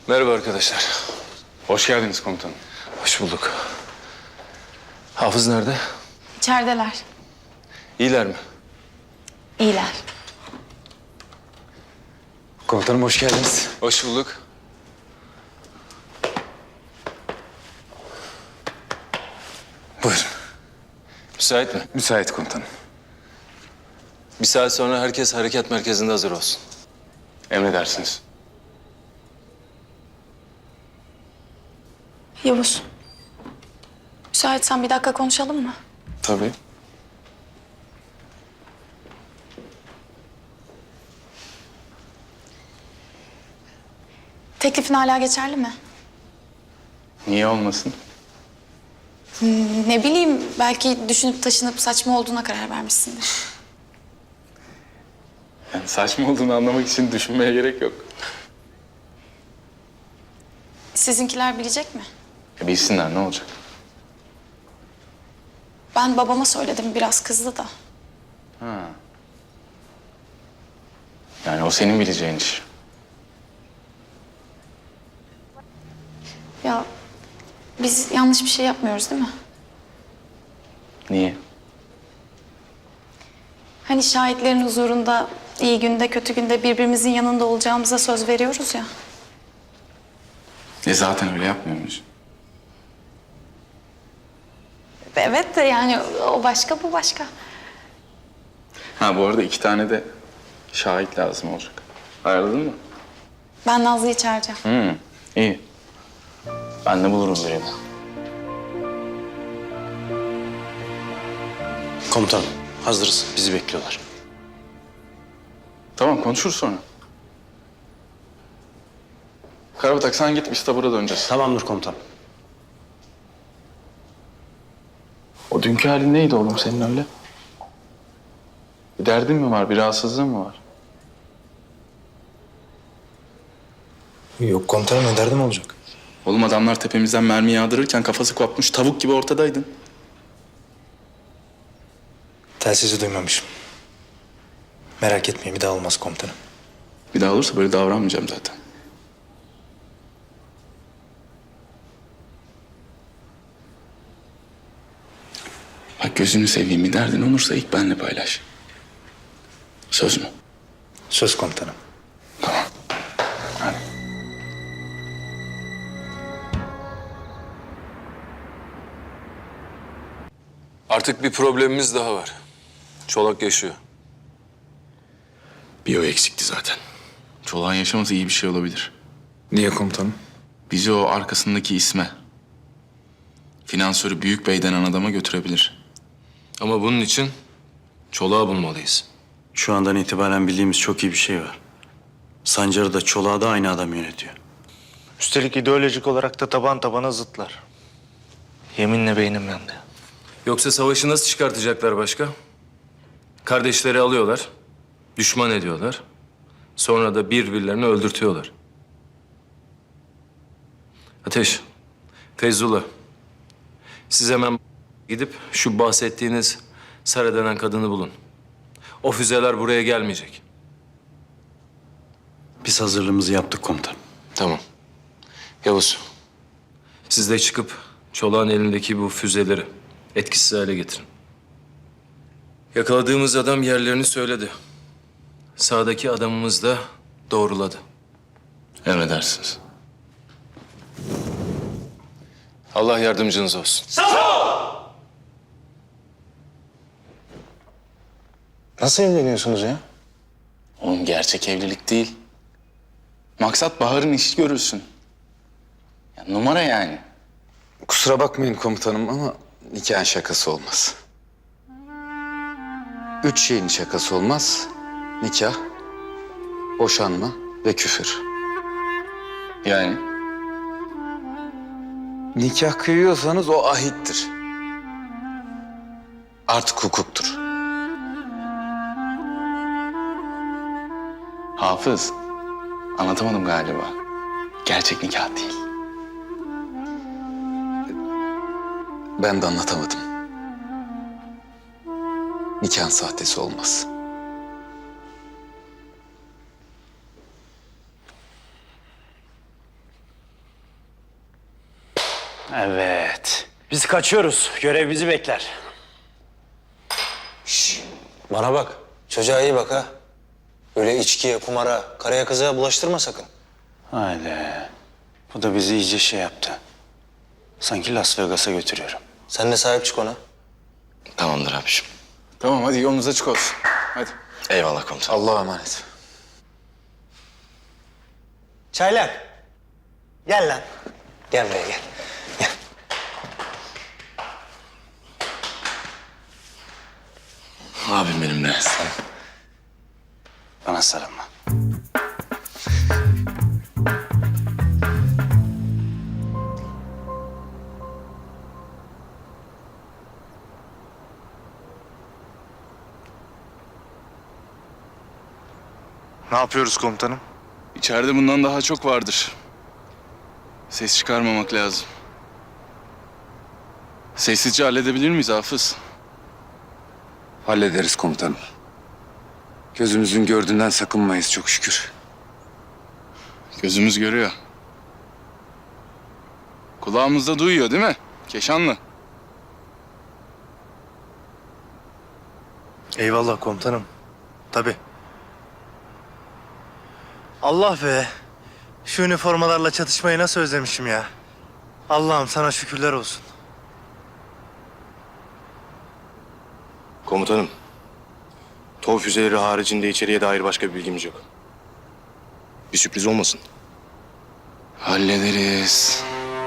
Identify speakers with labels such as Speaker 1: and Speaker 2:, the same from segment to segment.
Speaker 1: Merhaba arkadaşlar.
Speaker 2: Hoş geldiniz komutanım.
Speaker 1: Hoş bulduk. Hafız nerede?
Speaker 3: İçerideler.
Speaker 1: İyiler mi?
Speaker 3: İyiler.
Speaker 2: Komutanım hoş geldiniz.
Speaker 1: Hoş bulduk.
Speaker 2: Buyurun.
Speaker 1: Müsait mi?
Speaker 2: Müsait komutanım.
Speaker 1: Bir saat sonra herkes harekat merkezinde hazır olsun.
Speaker 2: Emredersiniz.
Speaker 3: Yavuz. Müsaitsen bir dakika konuşalım mı?
Speaker 2: Tabii.
Speaker 3: Teklifin hala geçerli mi?
Speaker 2: Niye olmasın?
Speaker 3: Ne bileyim, belki düşünüp taşınıp saçma olduğuna karar vermişsindir.
Speaker 2: Yani saçma olduğunu anlamak için düşünmeye gerek yok.
Speaker 3: Sizinkiler bilecek mi?
Speaker 2: Bilsinler ne olacak?
Speaker 3: Ben babama söyledim, biraz kızdı da.
Speaker 2: Yani o senin bileceğin iş.
Speaker 3: Ya biz yanlış bir şey yapmıyoruz değil mi?
Speaker 2: Niye?
Speaker 3: Hani şahitlerin huzurunda iyi günde kötü günde birbirimizin yanında olacağımıza söz veriyoruz ya.
Speaker 2: Zaten öyle yapmıyor muyuz?
Speaker 3: Evet de yani o başka bu başka.
Speaker 2: Ha bu arada 2 tane de şahit lazım olacak. Ayarladın mı?
Speaker 3: Ben Nazlı'yı çağıracağım.
Speaker 2: İyi. Ben de bulurum birini.
Speaker 4: Komutanım, hazırız. Bizi bekliyorlar.
Speaker 2: Tamam konuşuruz sonra. Karabatak sen git biz tabura döneceğiz.
Speaker 4: Tamamdır komutanım.
Speaker 2: O dünkü halin neydi oğlum senin öyle? Bir derdin mi var, bir rahatsızlığın mı var?
Speaker 4: Yok komutanım, ne derdim olacak?
Speaker 2: Oğlum adamlar tepemizden mermi yağdırırken kafası kopmuş tavuk gibi ortadaydın.
Speaker 4: Telsizi duymamışım. Merak etmeyin, bir daha olmaz komutanım.
Speaker 2: Bir daha olursa böyle davranmayacağım zaten. Bak gözünü seveyim bir derdin olursa ilk benimle paylaş. Söz mü?
Speaker 4: Söz komutanım.
Speaker 2: Tamam. Hadi.
Speaker 1: Artık bir problemimiz daha var. Çolak yaşıyor.
Speaker 2: Bir o eksikti zaten. Çolak'ın yaşaması iyi bir şey olabilir.
Speaker 5: Niye komutanım?
Speaker 2: Bizi o arkasındaki isme, finansörü Büyük Bey denen adama götürebilir.
Speaker 1: Ama bunun için Çolak'ı bulmalıyız.
Speaker 4: Şu andan itibaren bildiğimiz çok iyi bir şey var. Sancar'ı da Çolak'ı da aynı adam yönetiyor.
Speaker 6: Üstelik ideolojik olarak da taban tabana zıtlar. Yeminle beynim yandı.
Speaker 1: Yoksa savaşı nasıl çıkartacaklar başka? Kardeşleri alıyorlar, düşman ediyorlar. Sonra da birbirlerini öldürtüyorlar. Ateş, Feyzullah. Siz hemen gidip şu bahsettiğiniz Sara denen kadını bulun. O füzeler buraya gelmeyecek.
Speaker 4: Biz hazırlığımızı yaptık komutanım.
Speaker 1: Tamam. Yavuz, siz de çıkıp Çolak'ın elindeki bu füzeleri etkisiz hale getirin. Yakaladığımız adam yerlerini söyledi. Sağdaki adamımız da doğruladı.
Speaker 2: Emredersiniz.
Speaker 1: Allah yardımcınız olsun.
Speaker 4: Nasıl evleniyorsunuz ya?
Speaker 2: Oğlum gerçek evlilik değil. Maksat Bahar'ın işi görülsün. Ya, numara yani.
Speaker 5: Kusura bakmayın komutanım ama nikahın şakası olmaz. 3 şeyin şakası olmaz. Nikah, boşanma ve küfür.
Speaker 2: Yani
Speaker 5: Nikah kıyıyorsanız o ahittir. Artık hukuktur.
Speaker 2: Hafız, anlatamadım galiba. Gerçek nikah değil.
Speaker 5: Ben de anlatamadım. Nikahın sahtesi olmaz.
Speaker 4: Evet. Biz kaçıyoruz. Görev bizi bekler.
Speaker 7: Bana bak. Çocuğa iyi bak ha. Öyle içkiye, kumara, karaya kızığa bulaştırma sakın.
Speaker 4: Haydi. Bu da bizi iyice şey yaptı. Sanki Las Vegas'a götürüyorum.
Speaker 7: Sen de sahip çık ona.
Speaker 2: Tamamdır abiciğim. Tamam hadi yolunuz açık olsun. Hadi.
Speaker 5: Eyvallah komutanım.
Speaker 7: Allah'a emanet. Çaylak. Gel lan. Gel buraya gel.
Speaker 2: Abim benimle.
Speaker 4: Bana sarılma.
Speaker 6: Ne yapıyoruz komutanım?
Speaker 2: İçeride bundan daha çok vardır. Ses çıkarmamak lazım. Sessizce halledebilir miyiz Hafız?
Speaker 5: Hallederiz komutanım. Gözümüzün gördüğünden sakınmayız çok şükür.
Speaker 2: Gözümüz görüyor. Kulağımız da duyuyor değil mi? Keşanlı.
Speaker 6: Eyvallah komutanım. Tabii. Allah be. Şu üniformalarla çatışmayı nasıl özlemişim ya. Allah'ım sana şükürler olsun.
Speaker 8: Komutanım, TOW füzeleri haricinde içeriye dair başka bir bilgimiz yok. Bir sürpriz olmasın.
Speaker 2: Hallederiz.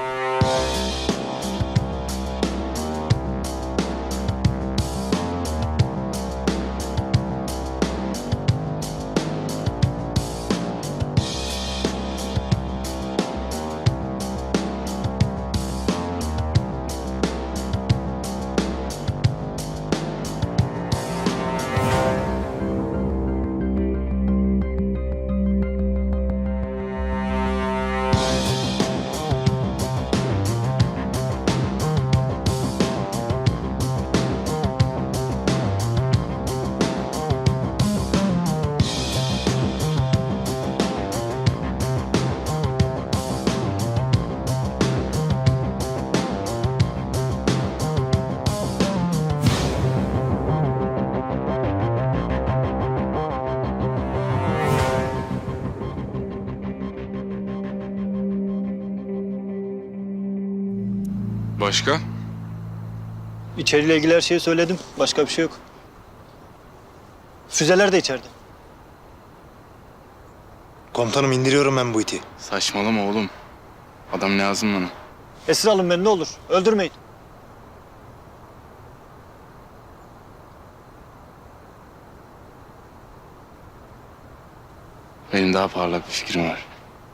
Speaker 2: Başka?
Speaker 9: İçeriyle ilgili her şeyi söyledim. Başka bir şey yok. Füzeler de içeride.
Speaker 6: Komutanım indiriyorum ben bu iti.
Speaker 2: Saçmalama oğlum. Adam lazım bana.
Speaker 9: Esir alın beni ne olur. Öldürmeyin.
Speaker 2: Benim daha parlak bir fikrim var.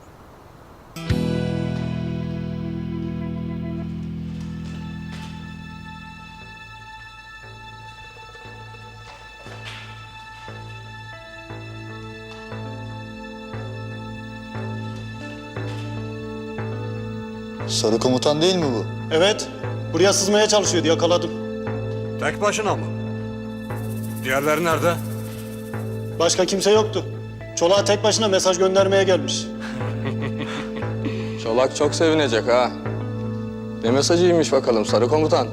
Speaker 7: Sarı komutan değil mi bu?
Speaker 9: Evet. Buraya sızmaya çalışıyordu. Yakaladım.
Speaker 8: Tek başına mı? Diğerleri nerede?
Speaker 9: Başka kimse yoktu. Çolağa tek başına mesaj göndermeye gelmiş.
Speaker 10: Çolak çok sevinecek ha. Ne mesajıymış bakalım sarı komutan?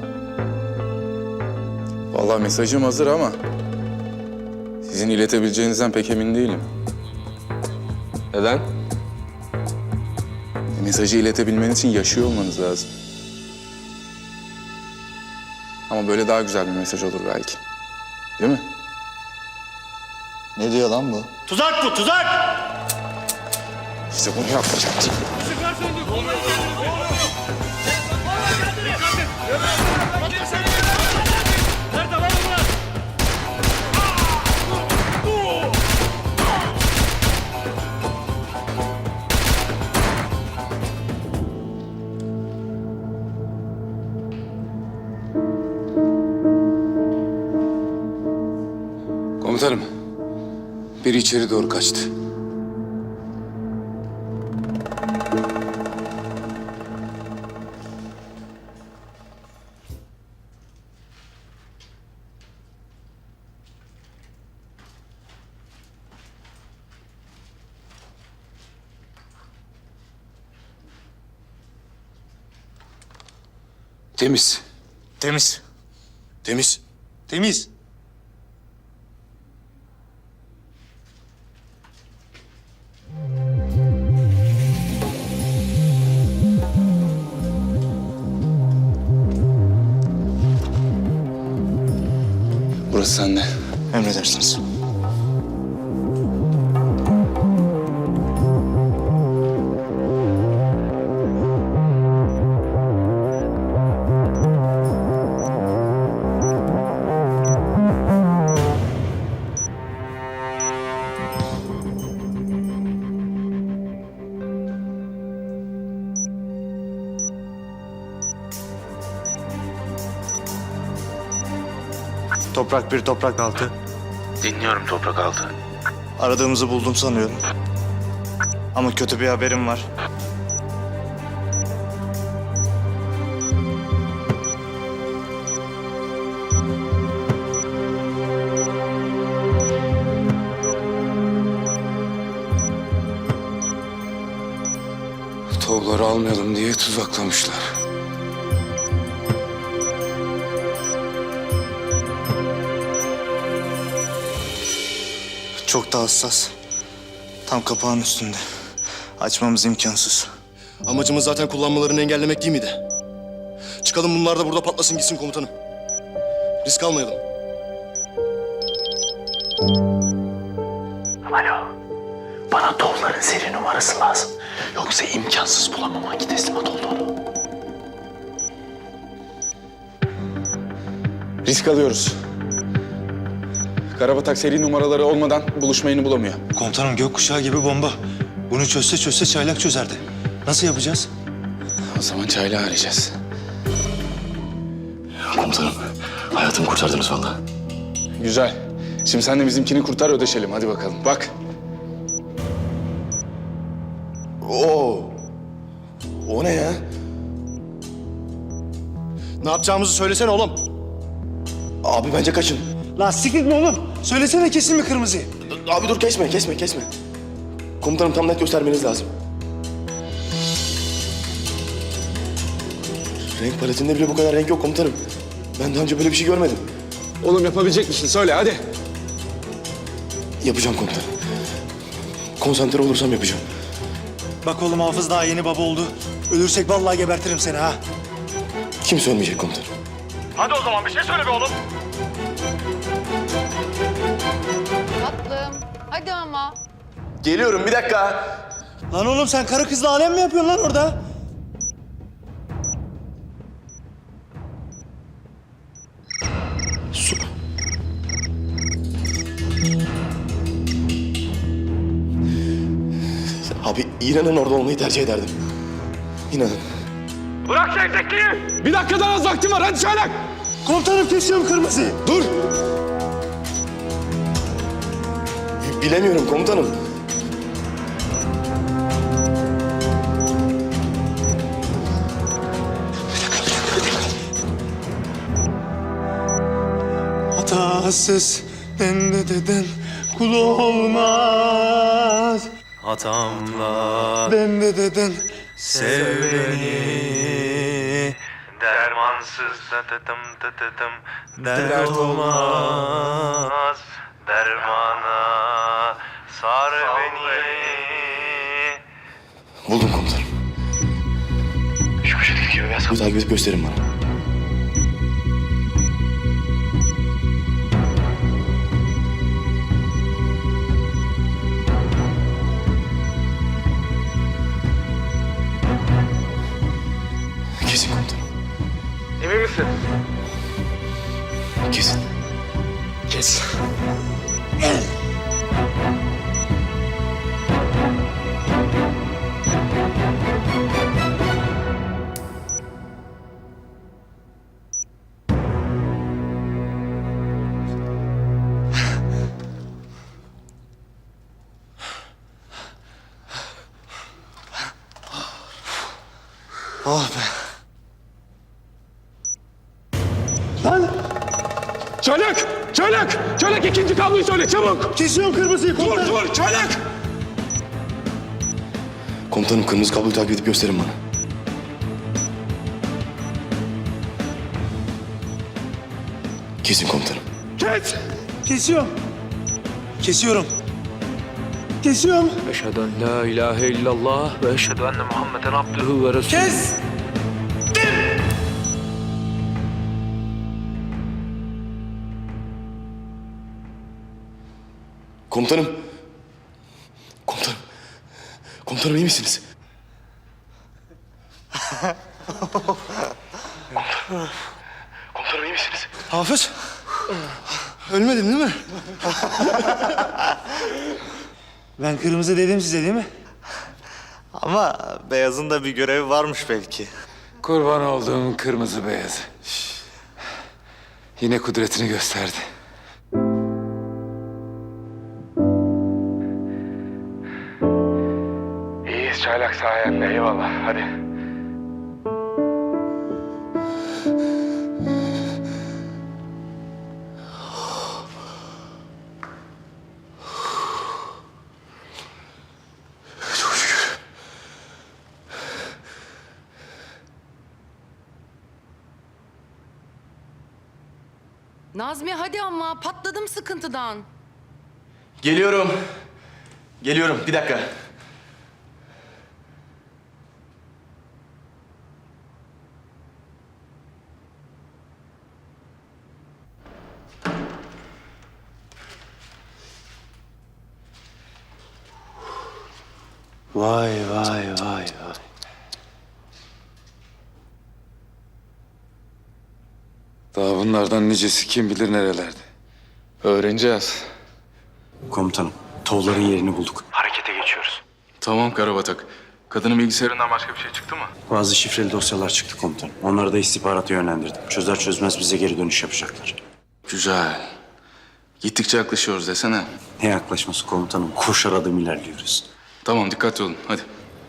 Speaker 2: Vallahi mesajım hazır ama sizin iletebileceğinizden pek emin değilim.
Speaker 10: Neden?
Speaker 2: Mesajı iletebilmeniz için yaşıyor olmanız lazım. Ama böyle daha güzel bir mesaj olur belki. Değil mi?
Speaker 7: Ne diyor lan bu?
Speaker 9: Tuzak bu, tuzak!
Speaker 2: Size bunu yapmayacaktım.
Speaker 5: Komutanım, biri içeri doğru kaçtı. Temiz.
Speaker 8: Temiz. Temiz.
Speaker 6: Temiz.
Speaker 2: Burası sende.
Speaker 8: Emredersiniz.
Speaker 6: Toprak bir, toprak altı.
Speaker 8: Dinliyorum toprak altı.
Speaker 6: Aradığımızı buldum sanıyorum. Ama kötü bir haberim var.
Speaker 5: Tovları almayalım diye tuzaklamışlar.
Speaker 6: Çok da hassas. Tam kapağın üstünde. Açmamız imkansız.
Speaker 8: Amacımız zaten kullanmalarını engellemek değil miydi? Çıkalım bunlar da burada patlasın gitsin komutanım. Risk almayalım.
Speaker 11: Alo. Bana tovların seri numarası lazım. Yoksa imkansız bulamam hangi teslimat olduğunu.
Speaker 5: Risk alıyoruz. Karabatak seri numaraları olmadan buluşmayını bulamıyor.
Speaker 6: Komutanım gökkuşağı gibi bomba. Bunu çözse çaylak çözerdi. Nasıl yapacağız?
Speaker 5: O zaman çaylağı arayacağız.
Speaker 11: Komutanım, hayatımı kurtardınız vallahi.
Speaker 5: Güzel. Şimdi sen de bizimkini kurtar, ödeşelim. Hadi bakalım. Bak.
Speaker 8: Oo. O ne ya? Ne yapacağımızı söylesene oğlum. Abi bence kaçın.
Speaker 6: Lastik mi oğlum? Söylesene kesin mi kırmızıyı?
Speaker 8: Abi dur kesme. Komutanım tam net göstermeniz lazım. Renk paletinde bile bu kadar renk yok komutanım. Ben daha önce böyle bir şey görmedim.
Speaker 5: Oğlum yapabilecek misin? Söyle hadi.
Speaker 8: Yapacağım komutanım. Konsantre olursam yapacağım.
Speaker 6: Bak oğlum Hafız daha yeni baba oldu. Ölürsek vallahi gebertirim seni ha.
Speaker 8: Kimse ölmeyecek komutanım.
Speaker 12: Tatlım. Hadi ama.
Speaker 8: Geliyorum bir dakika.
Speaker 6: Lan oğlum sen karı kızla alem mi yapıyorsun lan orada?
Speaker 8: Su. Abi inanın orada olmayı tercih ederdim. İnanın.
Speaker 5: Bir dakikadan az vaktim var. Hadi çaylak.
Speaker 6: Komutanım kesiyorum kırmızıyı.
Speaker 5: Dur.
Speaker 8: Bilemiyorum komutanım.
Speaker 6: Hatasız dende kul olmaz. Hatamla dende sev beni. Dermansız dert olmaz. Dermana sar beni.
Speaker 8: Buldum komutanım. Şu köşedeki gibi beyaz takip edip gösterin bana. Kesin komutanım.
Speaker 5: Emin misin?
Speaker 8: Kesin.
Speaker 5: Kes.
Speaker 6: Oh be.
Speaker 5: Çaylak! Çaylak! Çaylak ikinci kabloyu söyle çabuk!
Speaker 6: Kesiyorum kırmızıyı komutanım.
Speaker 5: Dur çaylak!
Speaker 8: Komutanım kırmızı kabloyu takip edip gösterin bana. Kesin komutanım.
Speaker 6: Kes! Kesiyorum. Kesiyorum. Kesiyorum.
Speaker 1: Eşhedü en la ilahe illallah ve eşhedü enne Muhammeden abduhu ve resulü.
Speaker 6: Kes!
Speaker 8: Komutanım. Komutanım. Komutanım iyi misiniz? Komutanım iyi misiniz?
Speaker 6: Hafız. Ölmedin değil mi? Ben kırmızı dedim size değil mi? Ama beyazın da bir görevi varmış belki.
Speaker 5: Kurban olduğum kırmızı beyazı. Yine kudretini gösterdi. İyiyiz çaylak sayende, eyvallah. Hadi.
Speaker 8: Çok şükür.
Speaker 12: Nazmi hadi ama patladım sıkıntıdan.
Speaker 8: Geliyorum. Geliyorum. Bir dakika.
Speaker 6: Vay vay vay vay.
Speaker 5: Daha bunlardan nicesi kim bilir nerelerde. Öğreneceğiz.
Speaker 4: Komutanım, tovların yerini bulduk.
Speaker 2: Tamam Karabatak. Kadının bilgisayarından başka bir şey çıktı mı?
Speaker 4: Bazı şifreli dosyalar çıktı komutanım. Onları da istihbarata yönlendirdim. Çözer çözmez bize geri dönüş yapacaklar.
Speaker 2: Güzel. Gittikçe yaklaşıyoruz desene.
Speaker 4: Ne yaklaşması komutanım? Koşar adım ilerliyoruz.
Speaker 2: Tamam dikkatli olun hadi.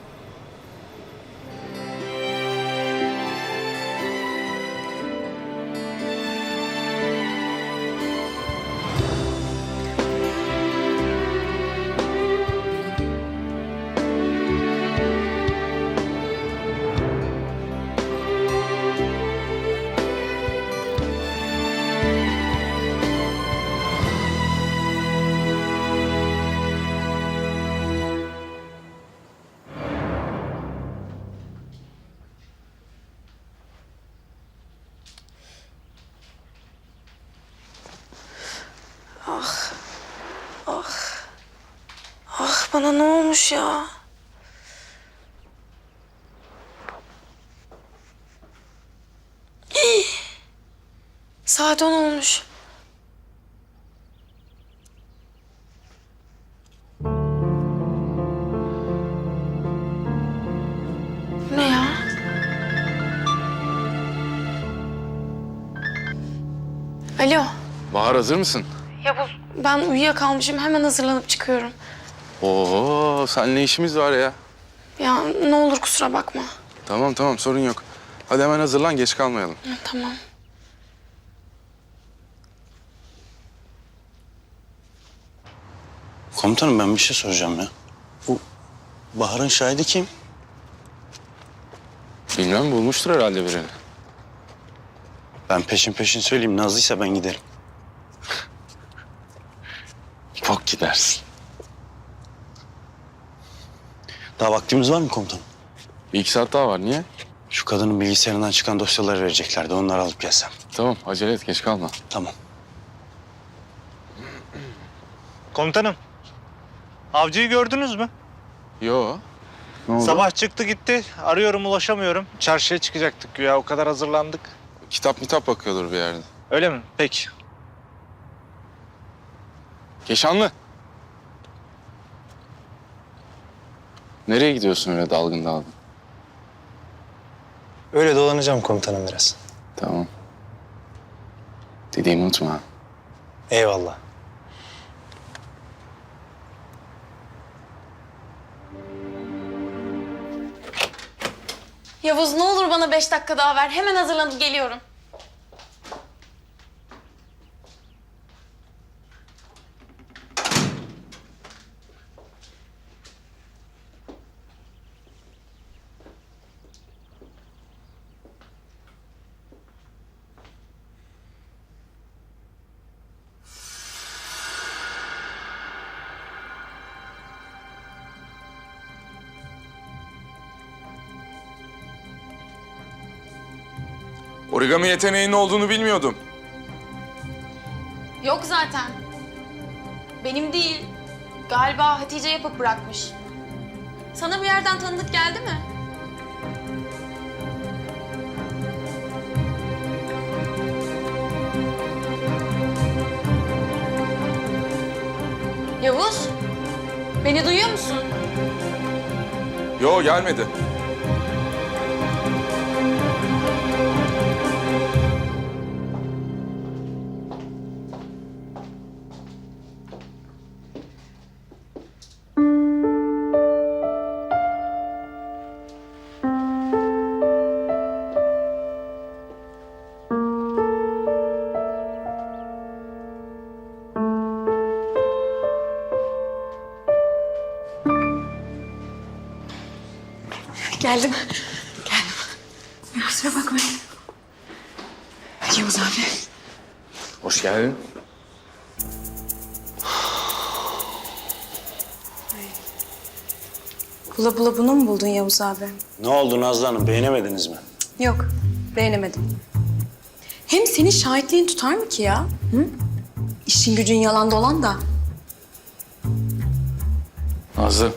Speaker 3: Ah bana ne olmuş ya? Hii! Saat 10 olmuş. Ne ya? Alo.
Speaker 2: Bahar hazır mısın?
Speaker 3: Yavuz, ben uyuyakalmışım. Hemen hazırlanıp çıkıyorum.
Speaker 2: Oo, seninle işimiz var ya.
Speaker 3: Ya ne olur kusura bakma.
Speaker 2: Tamam tamam sorun yok. Hadi hemen hazırlan geç kalmayalım.
Speaker 3: Hı, tamam.
Speaker 4: Komutanım ben bir şey soracağım ya. Bu Bahar'ın şahidi kim?
Speaker 2: Bilmem bulmuştur herhalde birini.
Speaker 4: Ben peşin peşin söyleyeyim. Nazlıysa ben giderim.
Speaker 2: Bak gidersin.
Speaker 4: Daha vaktimiz var mı komutanım?
Speaker 2: Bir iki saat daha var niye?
Speaker 4: Şu kadının bilgisayarından çıkan dosyaları vereceklerdi. Onları alıp gelsem.
Speaker 2: Tamam acele et geç kalma.
Speaker 4: Tamam.
Speaker 6: Komutanım. Avcıyı gördünüz mü?
Speaker 2: Yo. Ne oldu?
Speaker 6: Sabah çıktı gitti. Arıyorum ulaşamıyorum. Çarşıya çıkacaktık güya. O kadar hazırlandık.
Speaker 2: Kitap bakıyordur bir yerde.
Speaker 6: Öyle mi? Peki.
Speaker 2: Keşanlı. Nereye gidiyorsun öyle dalgın dalgın?
Speaker 6: Öyle dolanacağım komutanım biraz.
Speaker 2: Tamam. Dediğimi unutma. ha.
Speaker 6: Eyvallah.
Speaker 3: Yavuz ne olur bana 5 dakika daha ver. Hemen hazırlanıp geliyorum.
Speaker 13: Origami yeteneğinin olduğunu bilmiyordum.
Speaker 12: Yok zaten. Benim değil. Galiba Hatice yapıp bırakmış. Sana bir yerden tanıdık geldi mi? Yavuz, beni duyuyor musun?
Speaker 13: Yo, gelmedi.
Speaker 12: Geldim. Kusura bakmayın. Yavuz abi.
Speaker 2: Hoş geldin.
Speaker 3: Bula bula bunu mu buldun Yavuz abi?
Speaker 4: Ne oldu Nazlı Hanım, beğenemediniz mi?
Speaker 3: Yok, beğenemedim. Hem senin şahitliğin tutar mı ki ya? Hı? İşin gücün yalan dolan da.
Speaker 2: Nazlı.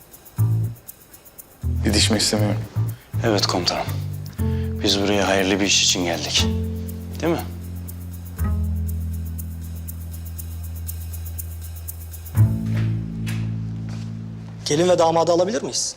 Speaker 2: Didişmek istemiyorum.
Speaker 4: Evet komutanım. Biz buraya hayırlı bir iş için geldik. Değil mi?
Speaker 9: Gelin ve damadı alabilir miyiz?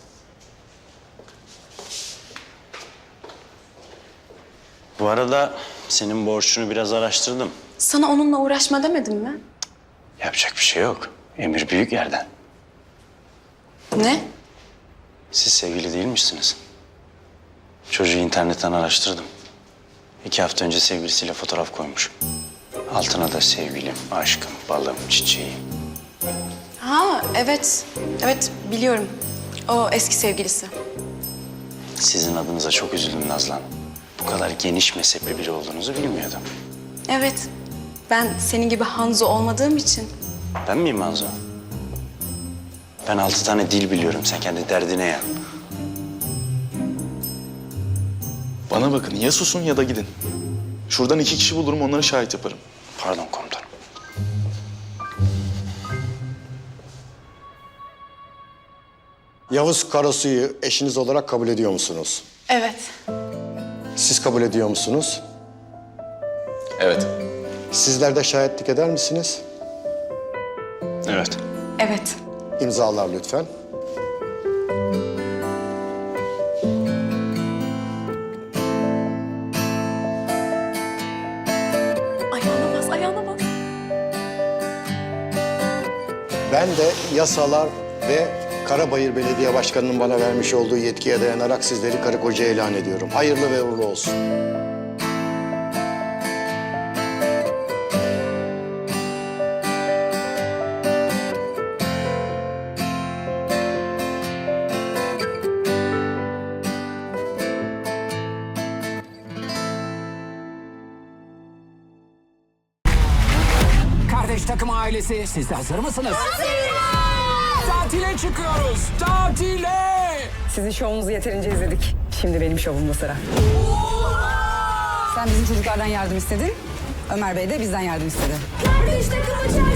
Speaker 4: Bu arada senin borçunu biraz araştırdım.
Speaker 3: Sana onunla uğraşma demedim mi?
Speaker 4: Yapacak bir şey yok. Emir büyük yerden.
Speaker 3: Ne?
Speaker 4: Siz sevgili değilmişsiniz. Çocuğu internetten araştırdım. 2 hafta önce sevgilisiyle fotoğraf koymuş. Altına da sevgilim, aşkım, balım, çiçeğim.
Speaker 3: Ha evet. Evet biliyorum. O eski sevgilisi.
Speaker 4: Sizin adınıza çok üzüldüm Nazlı Hanım. Bu kadar geniş mezhepli biri olduğunuzu bilmiyordum.
Speaker 3: Evet. Ben senin gibi Hanzo olmadığım için.
Speaker 4: Ben miyim Hanzo? Ben 6 tane dil biliyorum. Sen kendi derdine yan.
Speaker 8: Bana bakın, ya susun ya da gidin. Şuradan 2 kişi bulurum, onları şahit yaparım.
Speaker 4: Pardon komutanım.
Speaker 9: Yavuz Karasu'yu eşiniz olarak kabul ediyor musunuz?
Speaker 3: Evet.
Speaker 9: Siz kabul ediyor musunuz?
Speaker 8: Evet.
Speaker 9: Sizler de şahitlik eder misiniz?
Speaker 4: Evet.
Speaker 3: Evet.
Speaker 9: İmzalar lütfen.
Speaker 3: Ayağına bas, ayağına bas.
Speaker 9: Ben de yasalar ve Karabayır Belediye Başkanı'nın bana vermiş olduğu yetkiye dayanarak sizleri karı koca ilan ediyorum. Hayırlı ve uğurlu olsun.
Speaker 11: Kardeş takım ailesi, siz de hazır mısınız? Tatile çıkıyoruz, tatile!
Speaker 12: Sizin şovunuzu yeterince izledik. Şimdi benim şovumda sıra. Sen bizim çocuklardan yardım istedin. Ömer Bey de bizden yardım istedi.
Speaker 3: Kardeş takımı